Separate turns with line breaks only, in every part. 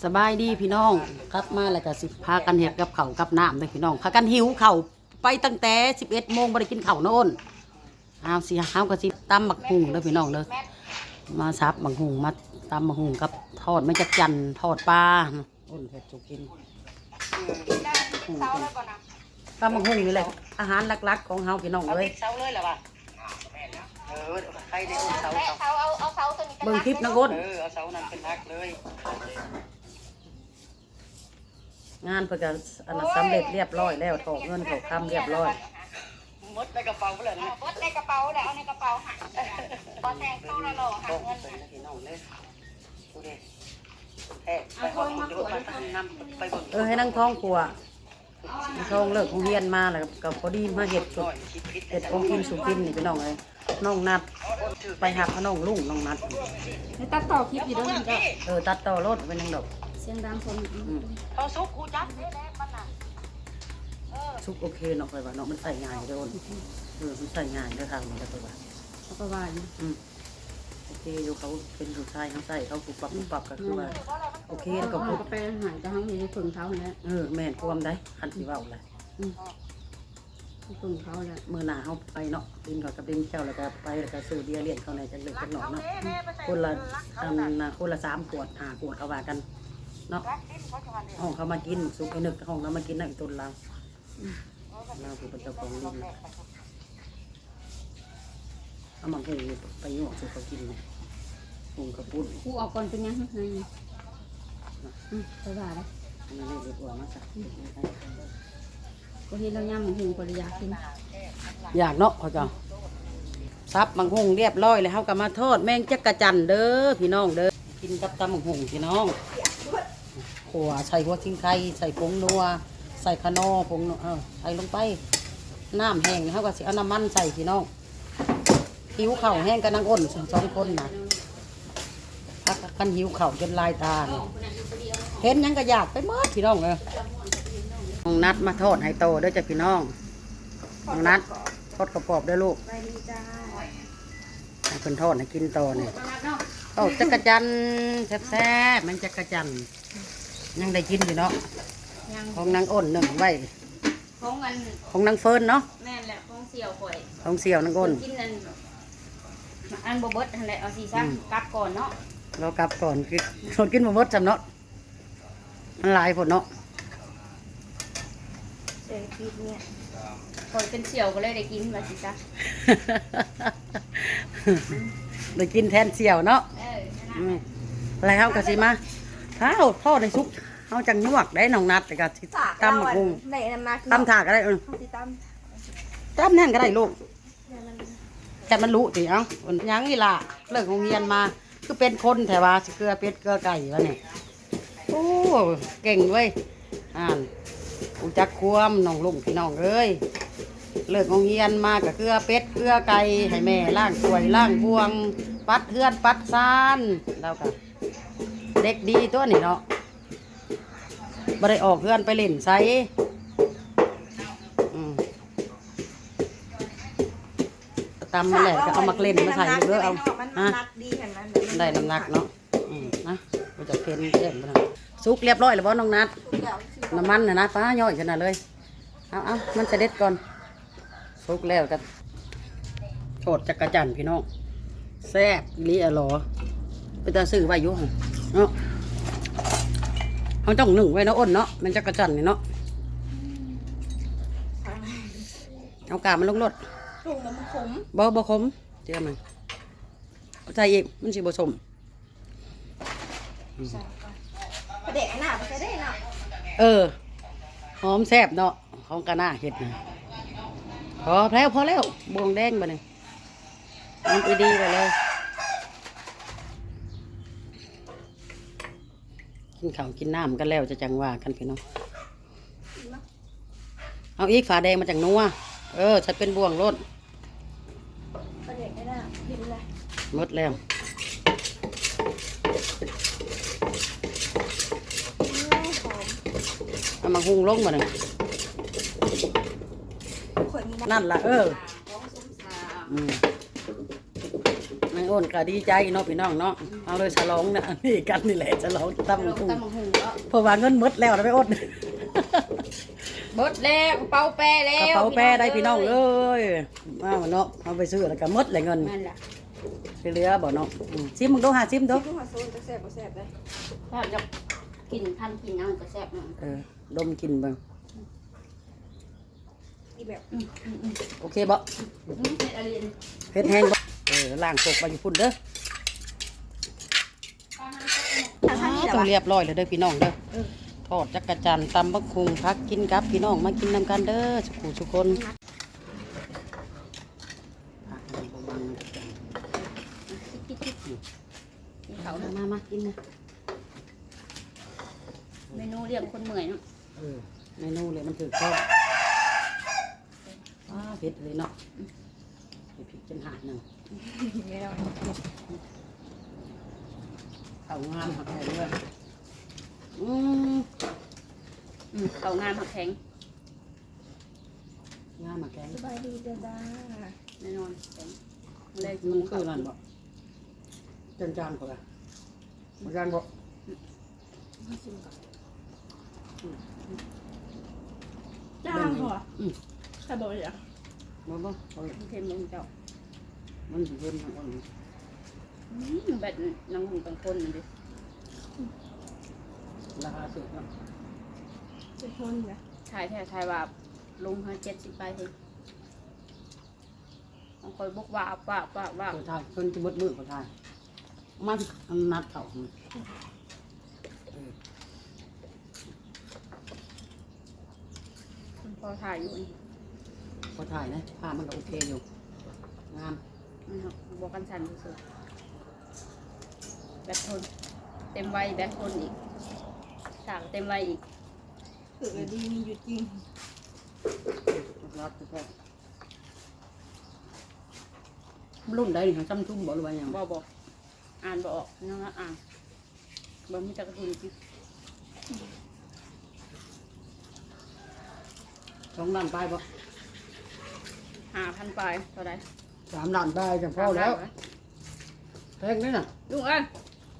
สบายดีพี่น้องกลับมาแล้วก็สิพากันเฮ็ดกับข้าวกับน้ำเลยพี่น้องพากันหิวข้าวไปตั้งแต่11 โมงบ่ได้กินข้าวโน่นเอาสิเฮาก็สิตำบักหุ่งเด้อพี่น้องเด้อมาซับบักหุ่งมาตำบักหุ่งกับทอดไม่จักจันทอดปลาอ้นเฮ็ดสุกินตำบักหุ่งนี่แหละอาหารหลักๆของเฮาพี่น้องเอ้ยเซาเลยล่ะว่ะใครได้เซาเบิ่งคลิปนะก้นเอาเซานั้นเป็นฮักเลยงานเพื่อการอันนั้นสำเร็จเรียบร้อยแล้วถอกเงินถอกคำเรียบร้อยมดในกระเป๋าเลยนะมดในกระเป๋าแล้วเอาในกระเป๋าหักพอแทงเข้าแล้วหรอหักเงินให้นั่งท้องกลัวท้องเลิกของเฮียนมาแล้วกับพอดีมาเห็ดสุดเห็ดของกินสุกินนี่พี่น้องเลยน้องนัดไปหักน้องลุงน้องนัด
ให้ตัดต่อคลิปอยู่ด้วยมันก็
ตัดต่อรถเป็นยังดอก
เสียงดังคน
เขาซุกคูจัดมันน่ะซุกโอเคเนาะไปว่าเนาะมันใส่ง่ายเด้อมันใส่ง่ายเด้อทางมันจะไปว่า
เขาก็ว่าอยู่
โอเคอยู่เขาเป็นผู้ชายเขาใส่เขาปุบปับก็คือว่าโอเคแล้วก็
เขาก็ไปหายจะทั้งมีฝึกเขาเนี่ย
แม่นความได้คันสิเว้าเลย
ฝึกเขาเนี่ย
มื้อหน้าเฮาไปเนาะดินกับดินแก้วแล้วก็ไปแล้วก็ซื้อเบียร์เลี้ยงเขาในจังเล็กจังหน่อยเนาะคนละคนละ3 ขวด5 ขวดเขาว่ากันเนาะห้องเขามากินซุปไอ้นึกห้องเรามากินนั่งต้นเราคือเป็นเจ้าของดินเอามาหุงไปหยอกซุปเขากินหุงกระปุ้น
ผู้ออกก่อนเป็นยังไงไปว่าเลย
นี่เรียกว่ามาสัก
ก็เห็นเราย่ำหุงปริยากิน
อยากเนาะเขาจะซับมังหุงเรียบร้อยเลยเขาก็มาทอดแมงจักระจันเด้อพี่น้องเด้อกินกับตำมังหุงพี่น้องขั่วใส่หัวทิ้งไข่ใส่ผงนัวใส่ขนอผงใส่ลงไปน้ำแห้งเขาก็สิเอาน้ำมันใส่พี่น้องหิวเข่าแห้งกันนางอ้น2 คนนะพักกันหิวเข่าจนลายตาเห็นยังก็อยากไปมดพี่น้องเลยน้องนัดมาทอดให้โตเด้อจ้ะพี่น้องน้องนัดทอดกระปอบด้วยลูกให้เพิ่นทอดให้กินโตเนี่ยจักระจันแซ่บๆมันจักระจันยังได้กินอยู่เนาะของนางอ้น1ไว้ของนางเฟิร์นเนาะ
แม่แหละของเสี่ยวข่อย
ของเสี่ยวนางอ้น
กินอันบเบิดอะไรเอาซีซั่นกลับก่อนเนาะ
เรากลับก่อนคนกินบเบิดจำเนาะมันหลายผลเนาะ
ปีเนี่ยข่อยเป็นเสี่ยวก็เลยได้กินมาซีซั่น
ได้กินแทนเสี่ยวเนาะอะไรเขากะสิมาข้าวทอดในซุปเขาจังนวกได้น้องนัดแต่กะสิตำหมกหุงตำถาก็ได้ตำแน่นก็ได้ลูกแต่มันรู้สิเอ้ายังนี่ล่ะเลิกโรงเรียนมาคือเป็นคนแต่ว่าเกลือเป็ดเกลือไก่วะเนี่ยโอ้เก่งเว้ยอุจักควมน้องลุงพี่น้องเอ้ยเลิกโรงเรียนมากับเกลือเป็ดเกลือไก่ให้แม่ล้างถ้วยล้างบวงปัดเฮือนปัดซานแล้วก็เด็กดีตัวนี่เนาะบ่ได้ออกเฮือนไปเล่นไสตำมันแหละก็เอามาเล่นมาใส่เยอะเอาได้น้ำหนักเนาะนะเราจะเค็มเค็มนะซุกเรียบร้อยแล้วบ่น้องนัดน้ำมันนะป้าย่อยขนาดเลยเอามันจะเด็ดก่อนซุกแล้วกันโฉดจักระจันพี่น้องแซ่บลีอร่อยไปตาซื้อไว้ยุ่งเนาะเขาต้อง1ไว้เนาะอ้นเนาะมันจักระจันนี่เนาะเอากามันลงรถ
ถุงมันขม
บ่ขมเจ้ามันใส่อีกมันสิบ่สม
เด็กหน้าไปได้เนา
ะหอมแซ่บเนาะของกะหน้าเห็ดนะพอแล้วบวงแดงไปเลยมันไปดีไปเลยกินข้าวกินน้ำกันแล้วจะจังว่ากันพี่น้องเอาอีกฝาแดงมาจากนัวฉันเป็นบ่วงรถหมดแล้วเอามาหุงลงมาหนึ่งนั่นล่ะนางอ้นก็ดีใจเนาะพี่น้องเนาะเอาเลยฉลองนะนี่กันนี่แหละฉลองตำ
ล
บั
ง
กหุ่ง
ตำบักหุ่งแล้ว
เพราะว่าเงินหมดแล้วนะไปอ้น
เบิดแล้วกระเป๋าแปรแล้
กระ
ว
เป๋าแป้ได้พี่น้องเอ้ยเอาเนาะเอาไปซื้อแล้วก็หมดเลยเงิน
นั่นแหละ
สิเหลือบ่เนาะชิมมึงดูหาชิมดู
ที่หัวโซนจะแซ่บบ่แซ่บได้
ถ้าจะกินพันกินน้ำก็แซ่บหน่อย
ดมกินเบิ่ง
อีแบบ
โอเคบ่
เผ็ดอะไรนี่
เผ็ดแห้งบ่ล้างโคกไปอยู่พุ่นเด้อ ต้องเรียบร้อยเลยเด้อพี่น้องเด้อทอดจักรจันทร์ตำบักคุงพักกินกับพี่น้องมากินนำกันเด้อสุขุสุคนผักนี่บ่บังจักรจันทร์
กินเขา
มากินนะ
เมนูเลี้ยงคนเมื่อยเนาะ
เมนูเลยมันถือข้าวเผ็ดเลยเนาะเผ็ดจนหาดหนึ่ง
ไม่ได้
ข้าวงามหักแห้งด้วย
เขางานผักแข็ง
งามมาแกง
สบายดีจ้าจ้า
แน่นอนแข็งเลย
มันคือนั่นบ่จานจานๆพอละจานบ่
จ้าหัวใครบอกเลยอ่ะ
บ่บ่เอา
เค็มลงเจ้า
มันสิเพิ่มมันก่อน
แบบน้ำหุ่นบางคนนั่นดิ
ราคาสูงเนาะ
จะทนนะ
ถ่ายแท้ถ่ายว่าลงให้70ไปเลยบางคนบอกว่า
คนไทยคนจะมดมือคนไทยมันอันนัดเขา
พอถ่ายอยู่นี่
คนไทยนะภาพมันก็โอเคอยู่งาม
นะครับบอกกันชันสุดๆแบบทนเต็มวัยแบบทนอีกฉากเต็มวัยอีก
ถือดีมีอยู่จริง
รัดแท้รุ่นใดนี่จำทุ่มบอกหรือว่าอย่าง
บอกอ่านบอกน้องอ่านบ่มีจักรทุนจริง
2 ล้านไปบ่
5,000ปลายเท่าไร
3 ล้านไปจังพอแล้วแพงนี่น่ะ
ลุงเอ้ย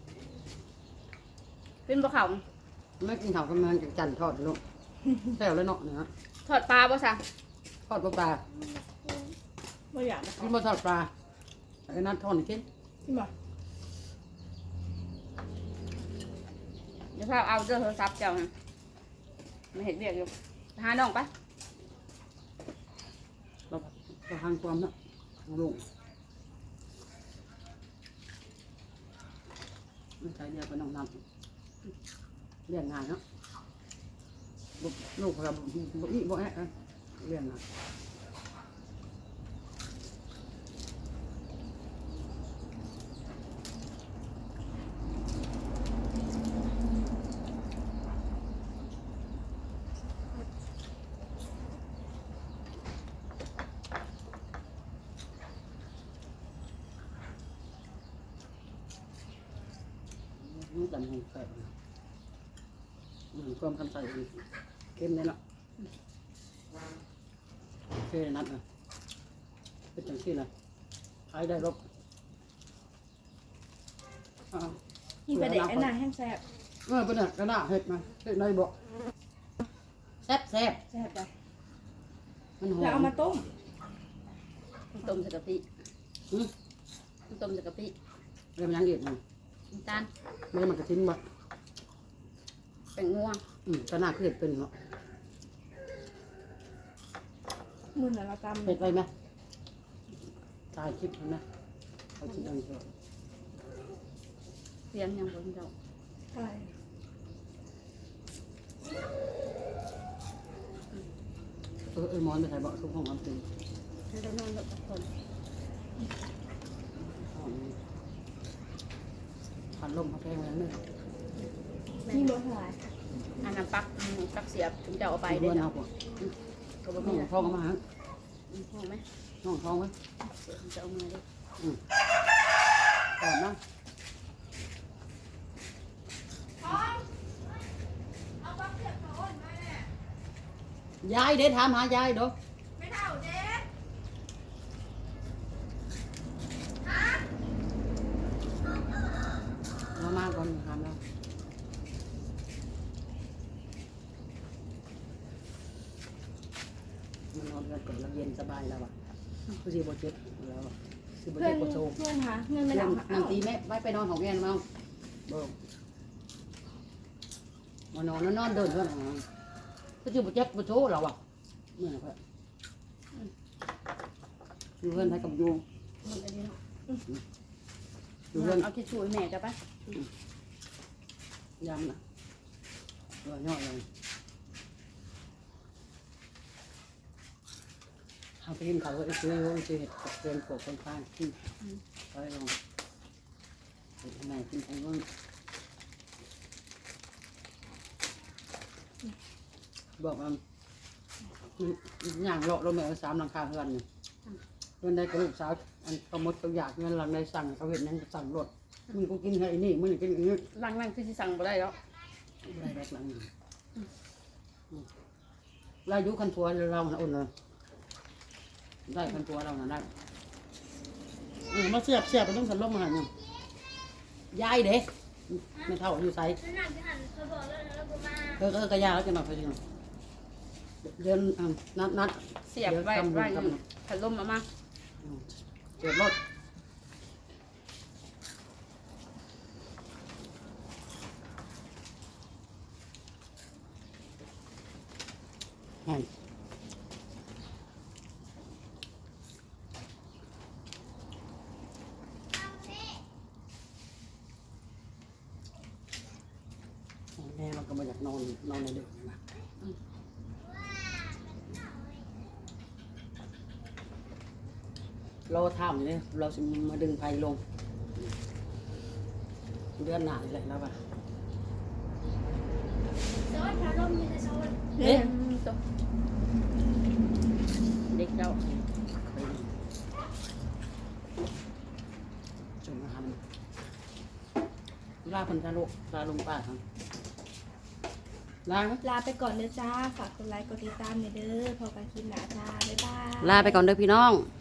ขึ้นบ่เขา
ไม่กินข้าวกันมันจันทอดลูกแซ่บแล้วเนาะเนี่ย
ทอดปลาบ่สั่ง
ทอดปลา
ไม่อยากนะ
กินมาทอดปลาไอ้นัดทอดกิน
ที่บอก
เดี๋ยวพาเอาเจ้าโทรศัพท์เจ้านะไม่เห็นเรียกอยู่หาน้องปะ
เราทางความเนาะลูกไม่ใช่เดียวกับน้องนัดเลี้ยงงานเนาะลูกเราบ่อีบ่แอะเลี้ยงงานนี่จำให้แซ่บความคำใส่เข้มเลยเนาะโอเคนัดนะเป็นจังซี่นะขายได้รบ
กินไปเด็กไอ้นางแห้งแซ่บ
เป็นกระดาษเห็ดมาเห็ดในบ่แซ่บแซ่บ
แซ่บไป
มันหอ
แล้วเอา
ม
มาต้ม
ต้มใส่กะปิต้มใส่กะปิ
เรื่องยังเด็ดมัน
น้ำตาล
ไม่ได้มันกระทิ้นบ่
แป้งงัว
กระดาษคือเห็ดเป็นเนาะ
มือน่ะเราตำ
เห็ดไปไหมถ่ายคลิปเห็นไหมเขาคิดเอาเถอะ
เสียงยังบนเจ้า
ใช่
มอนไปถ่ายบ่ทุกห้องอันตื่น
ให้ได้นอนกับทุกคน
ผ่านลมเขาแพงแล้วเนี่ย
นี่บ่หลาย
อันนั้นปักเสียบถึงจะเอาไป
ไป
ได้
เด้อ
เนาะ
เอาบ่
ก็บ่
น้
มี
อง
นะ
ท้องมาฮะ
พอไหม
น้องท้องไว้
เสียบจะเอามาได้
ก่อนนะ ยายเด้ถามหายายเด้อ
ไม่เท่าเด็ด
นอนกันก่อนแล้วเย็นสบายแล้วอ่ะคือสิบ่เจ็บแล้วสิบ่
เพื่อ
เจ็
น
บบ่โชว์
เพื่อนหาเงินไม่
เพื่อน
ได้
นางตีแม่ไว้ไปนอนของแม่มาเบิ่งมานอนนอนเดินเพื่อนก็สิบ่เจ็บบ่โชว์เราอ่ะเมื่อไหร่อยู่เพื่อนให้กับยู
มันจะดีเนาะ
อยู่เพื่อน
เอาทิชชู่ให้แม่จะปะ
ยำนะตัวย่อยเลยทำไปกินข้าวก็ซื้อซื้อเห็ดกับเกลือโขกคนข้างกินไปลองเห็ดทำไมกินไปบ้างบอกว่าอย่างเลาะเราไม่เอา3หลังคาเฮือนเนี่ยเงินได้กระลูกสาวอันกระมดกระอยากเงินหลังในสั่งเขาเห็นนั่นสั่งรถมึงก็กินไอ้นี่มึงกินอย่างนี้
ล้างนั่งคือสิสั่งบ่ได้แล้ว
ได้แรกหลังเราอยู่คันทัวเราอุ่นเลยได้คันทัวเราได้มาเสียบไปต้องสันลมมาหันยังยายเด็กไม่เท่าอยู่ไซก็ยาแล้วจะมาไปยังเดินนัด
เสียบไว้พัดลมมา
เสียบรถให้แม่เราก็มาอยากนอนในเด็กนะเราทำเนี่ยเราจะมาดึงไฟลงเดือนหนาเลยแล้วป่ะ
เอ๊ะตัวเด็กเจ้า
จนทำลาพันธะโลลาลงป่าครับลา
ลาไปก่อนเด้อจ้าฝากกดไลค์กดติดตามเด้อพอกันคลิปหน้าจ้าบ๊ายบาย
ลาไปก่อนเด้อพี่น้อง
บ